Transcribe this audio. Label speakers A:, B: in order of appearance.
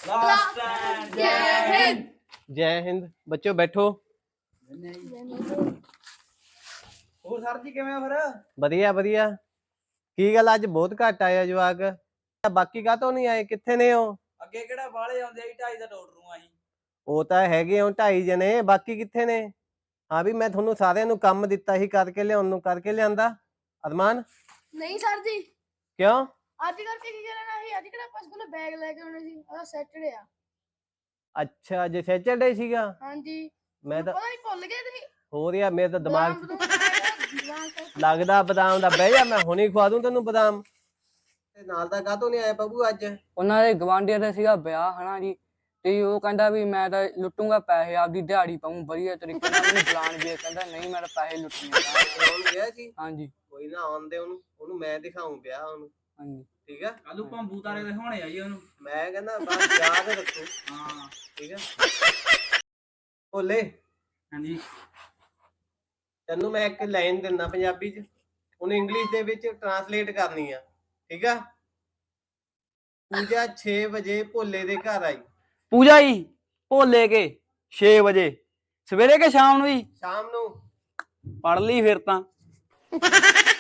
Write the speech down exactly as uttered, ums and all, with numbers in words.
A: Last time जय हिंद।
B: जय हिंद। बच्चों बैठो।
A: ਹੋਰ ਸਰ ਜੀ ਕਿਵੇਂ ਹੋ ਫਿਰ?
B: ਵਧੀਆ ਵਧੀਆ। ਕੀ ਗੱਲ ਅੱਜ ਬਹੁਤ ਘੱਟ ਆਇਆ ਜਵਾਕ, ਬਾਕੀ ਕਾਹਤੋਂ ਨਹੀਂ ਆਏ, ਕਿੱਥੇ ਨੇ ਉਹ?
A: ਅੱਗੇ ਕਿਹੜਾ ਬਾਹਲੇ ਆਉਂਦੇ ਆ, ਢਾਈ ਦਾ ਡਾਕਟਰ ਨੂੰ ਆਹੀ।
B: ਉਹ ਤਾਂ ਹੈਗੇ ਹੋ ਢਾਈ ਜਣੇ, ਬਾਕੀ ਕਿੱਥੇ ਨੇ? ਹਾਂ ਵੀ ਮੈਂ ਤੁਹਾਨੂੰ ਸਾਰਿਆਂ ਨੂੰ ਕੰਮ ਦਿੱਤਾ ਸੀ ਕਰਕੇ ਲਿਆਉਣ ਨੂੰ, ਕਰਕੇ ਲਿਆਂਦਾ? ਅਰਮਾਨ
C: ਨਹੀਂ ਸਰ ਜੀ।
B: ਕਿਉਂ?
C: ਅੱਜ ਕਰਕੇ ਕੀ ਕਰਨਾ ਸੀ? ਅੱਜ ਕਿਹੜਾ ਆਪਾਂ ਸਕੂਲ ਬੈਗ ਲੈ ਕੇ ਆਉਣੇ ਸੀ? ਅੱਜ ਸੈਟਰਡੇ ਆ।
B: ਅੱਛਾ ਜੇ ਸੈਟਰਡੇ ਸੀਗਾ।
C: ਹਾਂਜੀ
B: ਮੈਂ ਤਾਂ
C: ਪਤਾ ਨਹੀਂ ਭੁੱਲ ਗਏ ਤੁਸੀਂ।
B: ਹੋਰ ਯਾਰ ਮੇਰੇ ਤਾਂ ਦਿਮਾਗ
C: ਬਦਾਮ ਬਦੂਮ ਖਾਏ ਆ?
B: ਲੱਗਦਾ ਬਦਾਮ ਦਾ। ਬਹਿ ਜਾ, ਮੈਂ ਹੁਣੀ ਖਵਾ ਦੂੰ ਤੈਨੂੰ ਬਦਾਮ। ਤੇ ਨਾਲ ਦਾ ਕਾਹਤੋਂ ਨਹੀਂ ਆਇਆ ਬੱਬੂ ਅੱਜ?
D: ਉਹਨਾਂ ਦੇ ਗਵਾਂਢੀਆਂ ਦਾ ਸੀਗਾ ਵਿਆਹ ਹਨਾ ਜੀ, ਤੇ ਉਹ ਕਹਿੰਦਾ ਵੀ ਮੈਂ ਤਾਂ ਲੁੱਟੂਗਾ ਪੈਸੇ, ਆਪਦੀ ਦਿਹਾੜੀ ਪਾਊਂ ਵਧੀਆ ਤਰੀਕੇ ਨਾਲ। ਮੈਨੂੰ ਬੁਲਾਣ ਵੀ ਕਹਿੰਦਾ ਨਹੀਂ ਮੈਂ ਤਾਂ ਪੈਸੇ ਲੁੱਟਣੇ ਆ।
B: ਆਉਣ ਗਿਆ ਸੀ?
D: ਹਾਂਜੀ
B: ਕੋਈ ਨਾ ਆਉਣ ਦੇ ਉਹਨੂੰ, ਉਹਨੂੰ ਮੈਂ ਦਿਖਾਊਂ ਵਿਆਹ ਉਹਨੂੰ।
D: ਹਾਂਜੀ
B: ਠੀਕ ਆ,
A: ਕੱਲੂ ਭੰਬੂ ਤਾਰੇ ਦਿਖਾਉਣੇ ਆ ਜੀ ਉਹਨੂੰ।
B: ਮੈਂ ਕਹਿੰਦਾ ਬਸ ਯਾਦ ਰੱਖੋ।
A: ਹਾਂ
B: ਠੀਕ ਆ ਭੋਲੇ,
A: ਹਾਂਜੀ
B: ਤੈਨੂੰ ਮੈਂ ਇੱਕ ਲਾਈਨ ਦਿੰਦਾ ਪੰਜਾਬੀ ਚ, ਉਹਨੂੰ ਇੰਗਲਿਸ਼ ਦੇ ਵਿੱਚ ਟਰਾਂਸਲੇਟ ਕਰਨੀ ਆ। ਠੀਕ ਆ? ਪੂਜਾ ਛੇ ਵਜੇ ਭੋਲੇ ਦੇ ਘਰ ਆਈ।
E: ਪੂਜਾ ਜੀ ਭੋਲੇ ਕੇ ਛੇ ਵਜੇ ਸਵੇਰੇ ਕੇ ਸ਼ਾਮ ਨੂੰ ਜੀ?
B: ਸ਼ਾਮ ਨੂੰ।
E: ਪੜ ਲਈ ਫਿਰ ਤਾਂ।